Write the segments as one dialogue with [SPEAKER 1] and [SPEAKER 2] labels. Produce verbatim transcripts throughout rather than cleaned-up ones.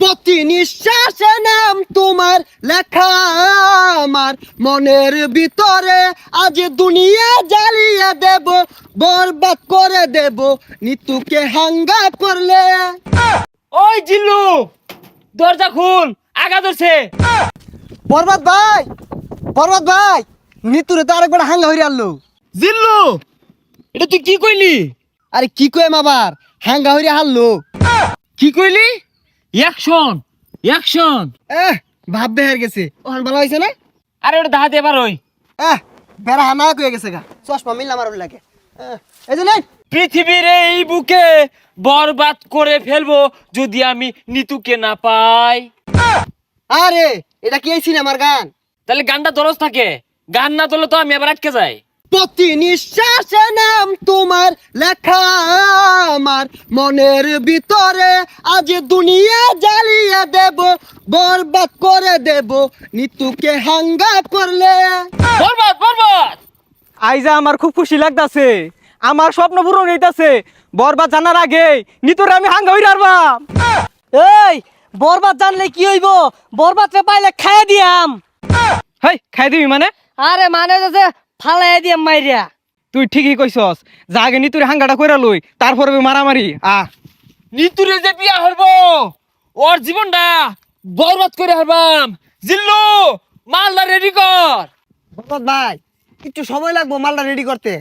[SPEAKER 1] প্রতি নিঃশ্বাসে নাম তোমার লেখা আমার মনের ভিতরে, আজ দুনিয়া জ্বালিয়ে দেব, বরবাদ করে দেব নিতুকে হাঙ্গা করলে।
[SPEAKER 2] ওই জিল্লু, দরজা খুল, আগা ধরছে।
[SPEAKER 1] বরবাদ ভাই, বরবাদ ভাই, নিতুরে তো আরেকবার হাঙ্গা হইরে আনলো।
[SPEAKER 2] জিল্লু, এটা তুই কি কইলি?
[SPEAKER 1] আরে কি কইম আবার, হাঙ্গা হইরে হারলো।
[SPEAKER 2] কি কইলি? Action, action.
[SPEAKER 1] এহ ভাব বেহার গেছে, ওখান ভালো হয়েছে না?
[SPEAKER 2] আরে ওটা দাহাতে এবার ওই
[SPEAKER 1] এহ বেড়া হানা কয়ে গেছে গা, চশমা মিললাম আর লাগে। এহ, এই যে নেই।
[SPEAKER 2] পৃথিবীর এই বুকে বরবাদ করে ফেলবো যদি আমি নিতুকে না পাই।
[SPEAKER 1] আরে এটা কি এই সিনেমার গান?
[SPEAKER 2] তাহলে গানটা দরজ থাকে, গান না তোলে তো আমি আবার আটকে যাই।
[SPEAKER 1] প্রতি নিঃশ্বাসে নাম তোমার লেখা আমার মনের ভিতরে, আজ দুনিয়া জ্বালিয়ে দেব, বরবাদ করে দেব নিতুকে হাঙ্গা করলে।
[SPEAKER 2] বরবাদ, বরবাদ।
[SPEAKER 3] আইজা আমার খুব খুশি লাগতাছে, আমার স্বপ্ন পূরণ হইতাছে। বরবাদ জানার আগে নিতরে আমি হাঙ্গা হইরা আরবাম।
[SPEAKER 4] এই বরবাদ জানলে কি হইব? বরবাদ রে পাইলে খাইয়া দিয়াম।
[SPEAKER 3] হেই খাই দিবি মানে?
[SPEAKER 4] আরে মানে যে ফালাই দিয়াম মাইরিয়া।
[SPEAKER 3] তুই ঠিকই কইছস, যা আগে নিতুরে হাঙ্গাটা কইরা লই, তারপরে মারামারি। আ
[SPEAKER 2] নিতুরে যে বিয়া হইবো, ওর জীবনটা বরবাদ করে হারবাম। জিল্লু, মালদা রেডি কর।
[SPEAKER 1] বরবাদ ভাই একটু সময় লাগবো মালটা রেডি করতে।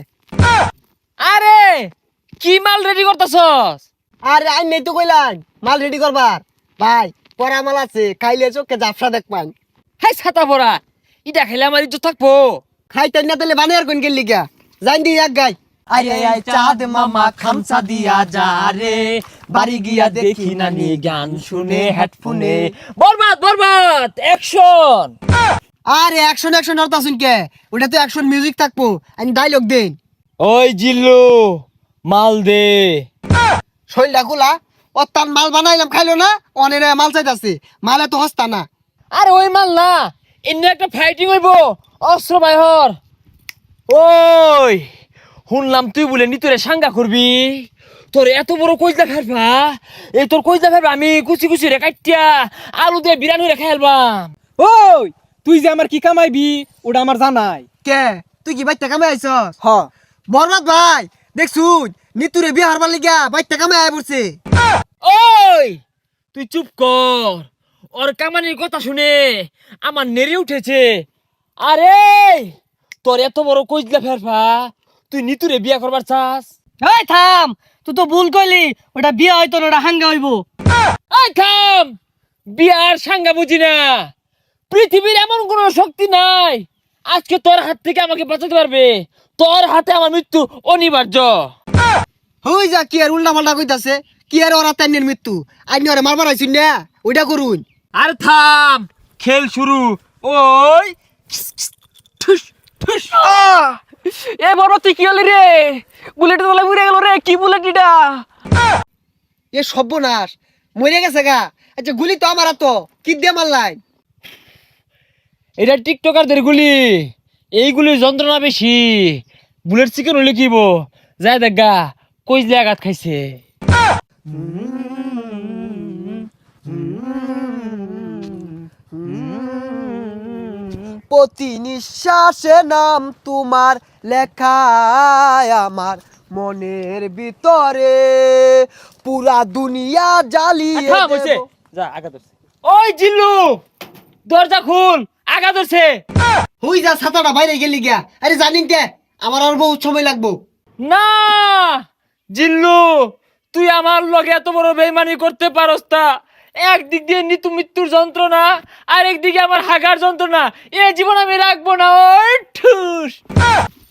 [SPEAKER 2] আরে কি মাল রেডি করতেছস?
[SPEAKER 1] আরে আই নেই তো কইলাম মাল রেডি করবার। ভাই পরা মাল আছে, খাইলে চোখে জাফসা দেখবান।
[SPEAKER 2] হাই ছাতা পড়া, ইটা খেলে আমার ইজ্জত থাকবো।
[SPEAKER 1] খাইতেন না তাহলে বানিয়ার কোন গেলি গা, জান দি এক গাই।
[SPEAKER 5] আরে আয় চাঁদ মামা খামসা দিয়া যা রে, বাড়ি গিয়া দেখি নানি গান শুনে হেডফোনে।
[SPEAKER 2] বরবাদ, বরবাদ, অ্যাকশন।
[SPEAKER 1] আরে অ্যাকশন অ্যাকশন আর তাসুন কে, ওটা তো অ্যাকশন মিউজিক থাকবো, আমি ডায়লগ দেন।
[SPEAKER 2] ওই জিল্লু, মাল দে।
[SPEAKER 1] শৈলটা খোলা, ও তার মাল বানাইলাম খাইলো না, অনেক মাল চাইতাছে, মালে তো হস্তা না।
[SPEAKER 2] আরে ওই মাল না, এমনি একটা ফাইটিং হইবো, অস্ত্র বাইহর। ওই শুনলাম তুই বলে নিতুরে সাঙ্গা করবি, তোর এত বড় কইজা ফেলবা, এই তোর কইজা ফেলবা আমি কুচি কুচি রে কাটিয়া আলু দিয়ে বিরানি রে খাইলবাম।
[SPEAKER 3] ওই তুই যে আমার কি কামাইবি ওটা আমার জানাই।
[SPEAKER 1] কে তুই কি বাইতে কামে আইছস?
[SPEAKER 3] হ
[SPEAKER 1] বরবাদ ভাই দেখছুন নিতুরে বিয়ে হারবার লিগা বাইতে কামে আয় পড়ছে।
[SPEAKER 2] ওই তুই চুপ কর, ওর কামানির কথা শুনে আমার নেড়ে উঠেছে। আরে তোর এত বড় কইজলা ফেরফা, তুই নিতুরে বিয়া করবার চাস?
[SPEAKER 4] এই থাম, তুই তো ভুল কইলি, ওটা বিয়া হইতো না, ওটা হাঙ্গা হইব।
[SPEAKER 2] এই থাম, বিয়ার সাঙ্গা বুঝি না। পৃথিবীর এমন কোন শক্তি নাই আজকে তোর হাত থেকে আমাকে বাঁচাতে পারবে। তোর হাতে আমার মৃত্যু অনিবার্য।
[SPEAKER 1] হই যা কি আর উল্টা পাল্টা কইতাছে, কি আর ওরা তাইনের মৃত্যু, আইনি ওরে মারবার আইছুন না, ওইটা করুন।
[SPEAKER 2] আর থাম, খেল শুরু। ওই ঠুস ঠুস।
[SPEAKER 3] এ বরবাদ তুই কি হলি রে? বুলেট তোলা উড়ে গেল রে, কি বুলেট এটা?
[SPEAKER 1] এ সর্বনাশ, মরে গেছে গা। আচ্ছা গুলি তো আমার তো কি দিয়ে মারলাই?
[SPEAKER 2] এটা টিকটকারদের গুলি, এইগুলির যন্ত্রণা বেশি। বুলেট চিকেন হলে কিব যায় দেখা কইজলে আঘাত খাইছে।
[SPEAKER 1] প্রতি নিঃশ্বাসে নাম তোমার লেখা আমার মনের ভিতরে, পুরা দুনিয়া জ্বালিয়ে
[SPEAKER 2] থাম হইছে,
[SPEAKER 1] দেব।
[SPEAKER 2] যা আঘাত ধরছে। ওই জিল্লু, দরজা খুল, আঘাত ধরছে।
[SPEAKER 1] হই যা ছাতাটা বাইরে গেলি গিয়া। আরে জানিন কে আমার আর বহুত সময় লাগবো।
[SPEAKER 2] না জিল্লু, তুই আমার লগে এত বড় বেইমানি করতে পারস তা? একদিক দিয়ে নিতু মৃত্যুর যন্ত্রণা, আর একদিকে আমার হাগার যন্ত্রণা, এ জীবন আমি রাখবো না। ওই ঠুস।